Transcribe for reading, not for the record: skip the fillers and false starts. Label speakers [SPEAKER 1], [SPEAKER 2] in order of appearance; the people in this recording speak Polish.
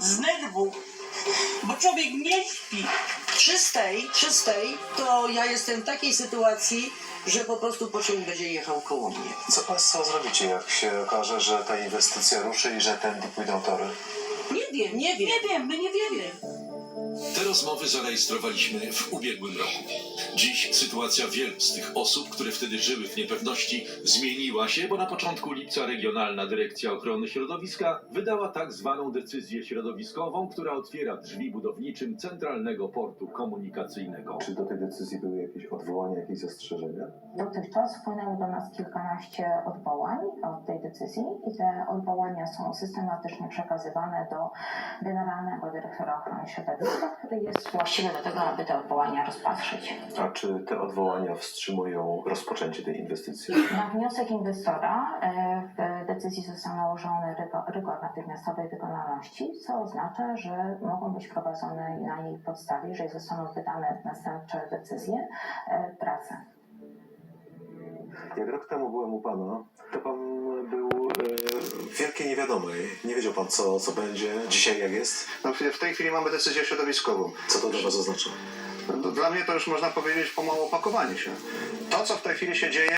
[SPEAKER 1] z nerwu, bo człowiek nie śpi.
[SPEAKER 2] Czystej, to ja jestem w takiej sytuacji, że po prostu pociąg będzie jechał koło mnie.
[SPEAKER 3] Co Państwo zrobicie, jak się okaże, że ta inwestycja ruszy i że tędy pójdą tory?
[SPEAKER 2] Nie wiem.
[SPEAKER 1] Nie wiem, my nie wiemy.
[SPEAKER 4] Te rozmowy zarejestrowaliśmy w ubiegłym roku. Dziś sytuacja wielu z tych osób, które wtedy żyły w niepewności, zmieniła się, bo na początku lipca Regionalna Dyrekcja Ochrony Środowiska wydała tak zwaną decyzję środowiskową, która otwiera drzwi budowniczym Centralnego Portu Komunikacyjnego.
[SPEAKER 3] Czy do tej decyzji były jakieś odwołania, jakieś zastrzeżenia?
[SPEAKER 5] Dotychczas wpłynęło do nas kilkanaście odwołań od tej decyzji i te odwołania są systematycznie przekazywane do Generalnego Dyrektora Ochrony Środowiska, który jest właściwy do tego, aby te odwołania rozpatrzyć.
[SPEAKER 3] A czy te odwołania wstrzymują rozpoczęcie tej inwestycji?
[SPEAKER 5] Na wniosek inwestora w decyzji został nałożony rygor natychmiastowej wykonalności, co oznacza, że mogą być prowadzone na jej podstawie, jeżeli zostaną wydane następcze decyzje, prace.
[SPEAKER 3] Jak rok temu byłem u Pana, to Pan był w wielkiej niewiadomej. Nie wiedział Pan, co będzie. Dzisiaj jak jest?
[SPEAKER 6] No, w tej chwili mamy decyzję środowiskową.
[SPEAKER 3] Co to dla Was oznacza?
[SPEAKER 6] Dla mnie to już można powiedzieć pomału opakowanie się. To, co w tej chwili się dzieje,